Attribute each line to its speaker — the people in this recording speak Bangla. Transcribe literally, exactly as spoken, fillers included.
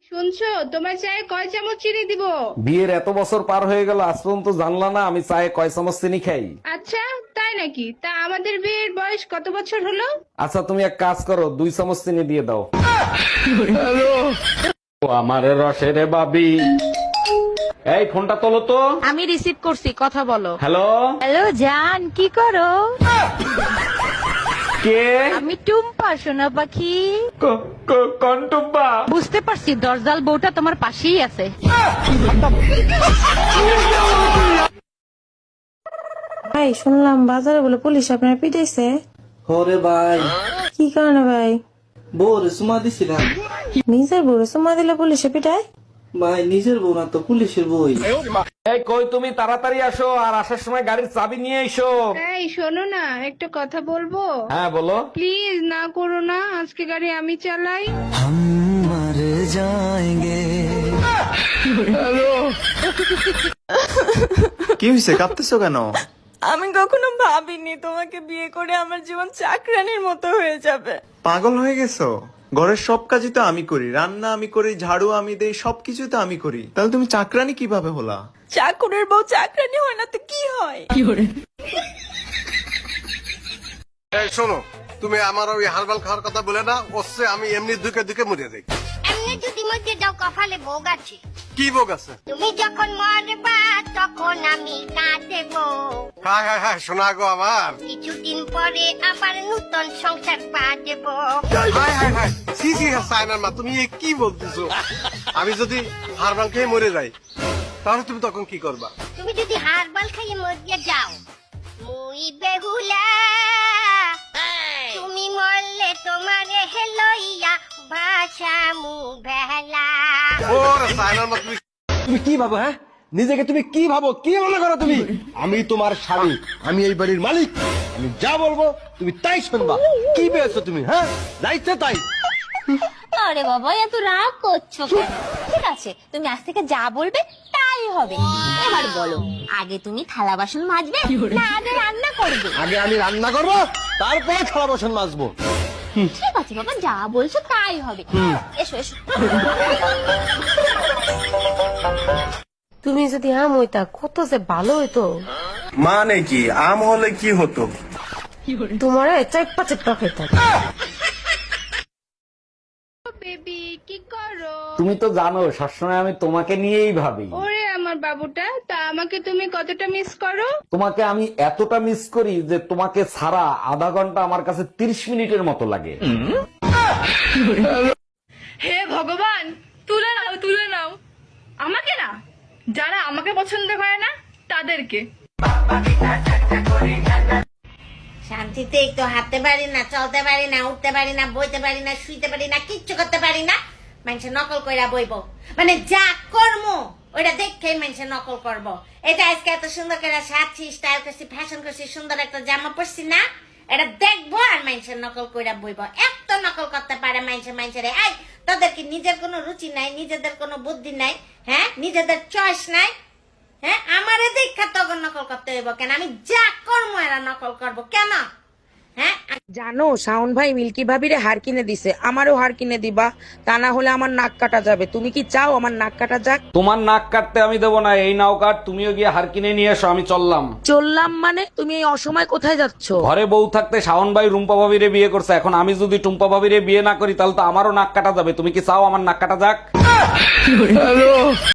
Speaker 1: শুনছো, তোমার চায়ে কয় চামচ চিনি দিব?
Speaker 2: বিয়ের এত বছর পার হয়ে গেল আজ পর্যন্ত জানলা না আমি চায়ে কয় চামচ চিনি খাই?
Speaker 1: আচ্ছা, তাই নাকি? তা আমাদের বিয়ের বয়স কত বছর হলো?
Speaker 2: আচ্ছা তুমি এক কাজ করো, দুই চামচ চিনি দিয়ে দাও। ও আমার রসের বাবি, এই ফোনটা তোলো তো।
Speaker 3: আমি রিসিভ করছি, কথা বলো।
Speaker 2: হ্যালো,
Speaker 3: হ্যালো জান, কি করো?
Speaker 2: কে?
Speaker 3: আমি টুম্পা, সোনা পাখি।
Speaker 2: ক- ক- কোন টুম্পা?
Speaker 3: বুঝতে পারছি, দরজাল বউটা তোমার পাশেই আছে।
Speaker 4: ভাই শুনলাম বাজারে বলে পুলিশ আপনার পিটাইছে।
Speaker 5: ওরে ভাই,
Speaker 4: কি কারণে ভাই?
Speaker 5: বউরে সুমা দিছিলাম।
Speaker 4: নিজের বউরে সুমা দিলে পুলিশে পিটায়?
Speaker 5: ভাই নিজের বউ না তো, পুলিশের বই।
Speaker 2: এই কই তুমি, তাড়াতাড়ি আসো আর আসার সময় গাড়ির চাবি নিয়ে এসো।
Speaker 1: এই শোনো না, একটা কথা বলবো?
Speaker 2: হ্যাঁ বলো।
Speaker 1: প্লিজ না করো না, আজকে গাড়ি আমি চালাই।
Speaker 6: কি হয়েছে, কাঁদতেছো কেন?
Speaker 4: আমি কখনো ভাবিনি তোমাকে বিয়ে করে আমার জীবন চাকরানির মতো হয়ে যাবে।
Speaker 6: পাগল হয়ে গেছো? ঘরের সব কাজই তো আমি করি, রান্না আমি করি, ঝাড়ু আমি দেই, সবকিছু তো আমি করি, তাহলে তুমি চাকরানি কিভাবে হলা?
Speaker 4: চাকরের বউ চাকরানি হয় না তো কি হয়?
Speaker 7: এই শোনো, তুমি আমার ওই হারবাল খাওয়ার কথা বলে না, ওসে আমি এমনি দুকে দুকে মরে যাই।
Speaker 8: এমনি যদি মধ্যে যাও কপালে ভোগ আছে।
Speaker 7: কি ভোগ আছে?
Speaker 8: তুমি যখন মরবা তখন আমি কাঁদেবো।
Speaker 7: হায় হায় হায়, শোনা গো আমার।
Speaker 8: কিছুদিন পরে আবার নতুন সংসার পা দেবো।
Speaker 7: হায় হায় হায়, সি সি সাইনার মা, তুমি এ কি বলতেছো? আমি যদি হারবাল খেয়ে মরে যাই তাহলে তুমি তখন কি করবা?
Speaker 8: তুমি যদি হারবাল খাইয়ে মরিয়ে যাও, মুই বেহুলা। তুমি মরলে তোমারে হেলইয়া ভাষা মু বেলা।
Speaker 7: ওরে সাইনার মা, তুমি
Speaker 9: তুমি কি ভাবো? হ্যাঁ, নিজেকে তুমি কি ভাবো, কি মনে করো তুমি? আমি তোমার স্বামী, আমি এই বাড়ির মালিক, আমি যা বলবো তুমি তাই শুনবা। কি পেয়েছো তুমি? হ্যাঁ, যাইতে তাই।
Speaker 10: আরে বাবা, এত রাগ করছো কেন? ঠিক আছে, তুমি আজ থেকে যা বলবে তাই হবে। এবার বলো, আগে তুমি থালা বাসন মাজবে না আগে রান্না করবে?
Speaker 9: আগে আমি রান্না করবো, তারপরে থালা বাসন মাজবো।
Speaker 10: ঠিক আছে বাবা, যা বলছো তাই হবে। এসো এসো।
Speaker 4: তুমি যদি আম হইতা কত যে ভালো হইতো।
Speaker 6: মানে কি, আম হলে কি হতো?
Speaker 4: তোমার চেপ্পা চেপ্পা খেতাম।
Speaker 1: বেবি কি করো?
Speaker 2: তুমি তো জানো সবসময় আমি তোমাকে নিয়েই ভাবি।
Speaker 1: ওরে আমার বাবুটা, তা আমাকে তুমি কতটা মিস করো?
Speaker 2: তোমাকে আমি এতটা মিস করি যে তোমাকে ছাড়া আধা ঘন্টা আমার কাছে তিরিশ মিনিটের মতো লাগে।
Speaker 1: হে ভগবান, তুলে নাও তুলে নাও। আমাকে না, যারা আমাকে পছন্দ করে না তাদেরকে।
Speaker 8: শান্তিতে একটু হাঁটতে পারি না, চলতে পারি না, উঠতে পারি না, বইতে পারি না, শুইতে পারি না, কিচ্ছু করতে পারি না। মানুষের নকল কইরা বইব, মানে যা কর্ম ওইটা দেখে মানুষের নকল করব। এটা আজকে এত সুন্দর করে সাজছি, স্টাইল করছি, ফ্যাশন করছি, সুন্দর একটা জামা পরছি না, এটা দেখবো আর মানুষের নকল কইরা বইব। এত নকল করতে পারে মানুষের মানুষের। এই তাদের কি নিজের কোনো রুচি নাই, নিজেদের কোনো বুদ্ধি নাই? হ্যাঁ, নিজেদের চয়েস নাই? হ্যাঁ, আমারে দেখা তখন নকল করতে হইব কেন? আমি যা কর্ম এরা নকল করব কেন? হ্যাঁ,
Speaker 3: জানো শাওন ভাই মিল্কি ভাবিরে হার কিনে দিছে, আমারও হার কিনে দিবা, তা না হলে আমার নাক কাটা যাবে। তুমি কি চাও আমার নাক কাটা যাক?
Speaker 2: তোমার নাক কাটতে আমি দেবো না, এই নাও কাট, তুমিও গিয়ে হার কিনে নিয়ে এসো, আমি চললাম।
Speaker 3: চললাম মানে? তুমি এই অসময় কোথায় যাচ্ছ?
Speaker 2: ঘরে বউ থাকতে শাওন ভাই রুম্পা ভাবিরে বিয়ে করছে, এখন আমি যদি টুম্পা ভাবিরে বিয়ে না করি তাহলে তো আমারও নাক কাটা যাবে। তুমি কি চাও আমার নাক কাটা যাক?